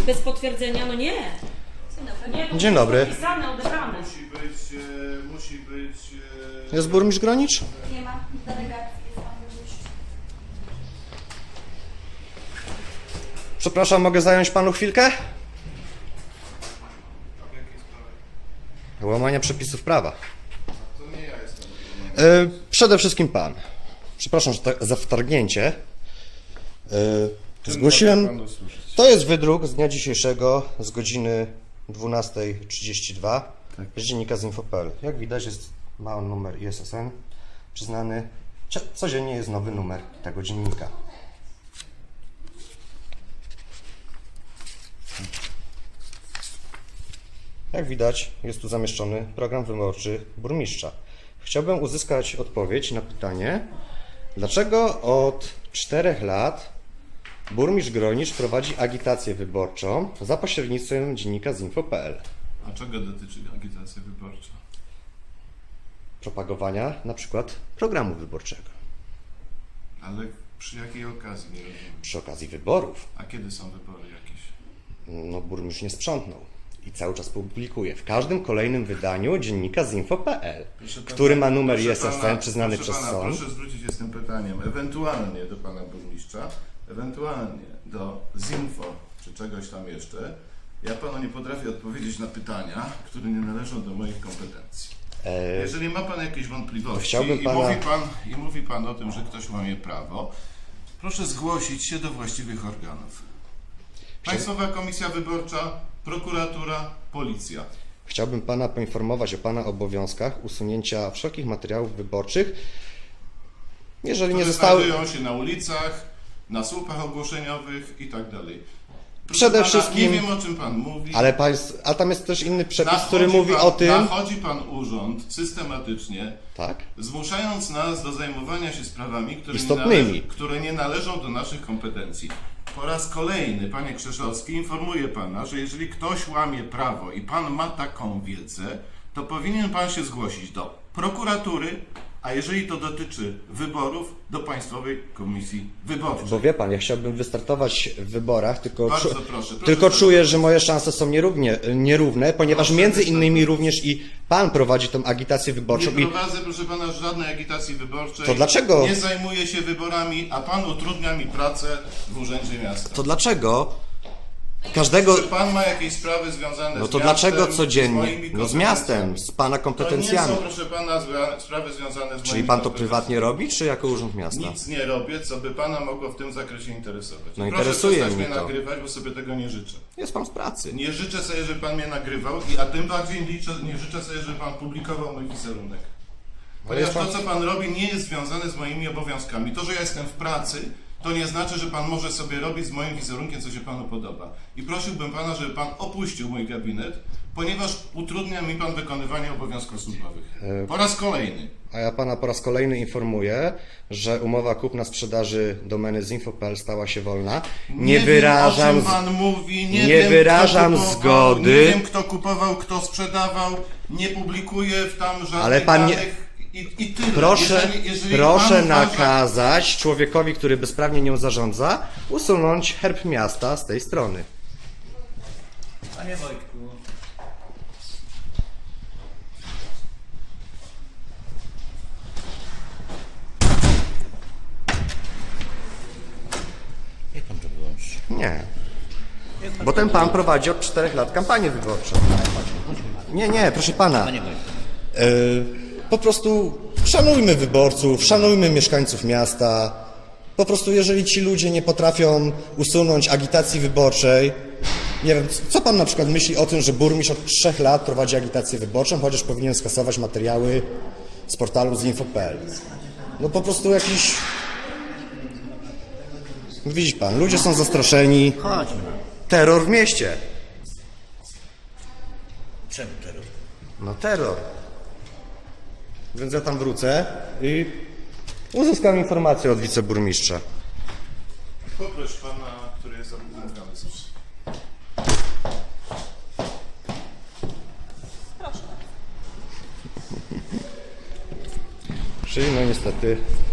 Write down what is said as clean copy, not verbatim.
bez potwierdzenia, no nie. Nie, to Dzień dobry. Podpisane, odebrane. Musi być... Jest burmistrz Gronicz? Nie ma delegacji, jest pan burmistrz. Przepraszam, mogę zająć panu chwilkę? W jakiej sprawie? Łamania przepisów prawa. To nie ja jestem. Przede wszystkim pan. Przepraszam za wtargnięcie. Zgłosiłem... Panu służyć. To jest wydruk z dnia dzisiejszego z godziny 12:32 z dziennika z info.pl. Jak widać ma on numer ISSN przyznany. Codziennie jest nowy numer tego dziennika. Jak widać jest tu zamieszczony program wyborczy burmistrza. Chciałbym uzyskać odpowiedź na pytanie, dlaczego od 4 lat burmistrz Gronicz prowadzi agitację wyborczą za pośrednictwem dziennika z info.pl. A czego dotyczy agitacja wyborcza? Propagowania na przykład programu wyborczego Ale przy jakiej okazji, nie rozumiem. przy okazji wyborów. A kiedy są wybory jakieś? No burmistrz nie sprzątnął i cały czas publikuje w każdym kolejnym wydaniu dziennika z info.pl, który ma numer ISSN przyznany przez sąd. Proszę zwrócić się z tym pytaniem ewentualnie do pana burmistrza, ewentualnie do ZINFO, czy czegoś tam jeszcze. Ja panu nie potrafię odpowiedzieć na pytania, które nie należą do moich kompetencji. Jeżeli ma pan jakieś wątpliwości Chciałbym i mówi pan o tym, że ktoś łamie prawo, proszę zgłosić się do właściwych organów. Państwowa Komisja Wyborcza, prokuratura, policja. Chciałbym pana poinformować o pana obowiązkach usunięcia wszelkich materiałów wyborczych, jeżeli nie Które zostały... znajdują się na ulicach, na słupach ogłoszeniowych i tak dalej. Proszę Przede pana, wszystkim- nie wiem, o czym pan mówi. A tam jest też inny przepis, Nachodzi który mówi pan, o tym... Nachodzi pan urząd systematycznie, Tak? zmuszając nas do zajmowania się sprawami, Istotnymi. które nie należą do naszych kompetencji. Po raz kolejny, panie Krzeszowski, informuję pana, że jeżeli ktoś łamie prawo i pan ma taką wiedzę, to powinien pan się zgłosić do prokuratury, a jeżeli to dotyczy wyborów, do Państwowej Komisji Wyborczej. Bo wie pan, ja chciałbym wystartować w wyborach, tylko, Bardzo proszę, tylko proszę. czuję, że moje szanse są nierówne, ponieważ Proszę między wystartować. innymi również i pan prowadzi tą agitację wyborczą. Nie I prowadzę, proszę pana, żadnej agitacji wyborczej. To dlaczego? Nie zajmuję się wyborami, a pan utrudnia mi pracę w Urzędzie Miasta. to dlaczego każdego... Czy pan ma jakieś sprawy związane No z to miastem, dlaczego z codziennie? moimi No z miastem, kompetencjami? z pana To nie kompetencjami. są, proszę pana, sprawy związane z moimi Czyli pan to kompetencjami. prywatnie robi, czy jako urząd miasta? Nic nie robię, co by pana mogło w tym zakresie interesować. No Proszę interesuje przestać mnie mnie to. nagrywać, bo sobie tego nie życzę. Jest pan z pracy. Nie życzę sobie, żeby pan mnie nagrywał, a tym bardziej nie życzę sobie, żeby pan publikował mój wizerunek. Ponieważ jest to, co pan robi, nie jest związane z moimi obowiązkami. To, że ja jestem w pracy, to nie znaczy, że pan może sobie robić z moim wizerunkiem, co się panu podoba. I prosiłbym pana, żeby pan opuścił mój gabinet, ponieważ utrudnia mi pan wykonywanie obowiązków służbowych. Po raz kolejny. A ja pana po raz kolejny informuję, że umowa kupna-sprzedaży domeny zinfo.pl stała się wolna. Nie wyrażam... Wiem, o czym pan mówi, nie wiem, wyrażam kto kupował, zgody. Nie wiem, kto kupował, kto sprzedawał, nie publikuję tam żadnych Ale pan nie- danych i tyle. Proszę, Jeżeli proszę pan uważa- nakazać człowiekowi, który bezprawnie nią zarządza, usunąć herb miasta z tej strony. Panie Wojtku, Jak pan to wyłączy? Nie. Bo ten pan prowadzi od 4 lat kampanię wyborczą. Nie, proszę pana. Panie Wojtku. Po prostu szanujmy wyborców, szanujmy mieszkańców miasta. Po prostu jeżeli ci ludzie nie potrafią usunąć agitacji wyborczej, nie wiem, co pan na przykład myśli o tym, że burmistrz od 3 lat prowadzi agitację wyborczą, chociaż powinien skasować materiały z portalu zinfo.pl. No po prostu jakiś... Widzi pan, ludzie są zastraszeni. Chodźmy. Terror w mieście. Czemu terror? No terror. Więc ja tam wrócę i uzyskam informację od wiceburmistrza. Poproś pana, który jest zamówiony. Czyli no niestety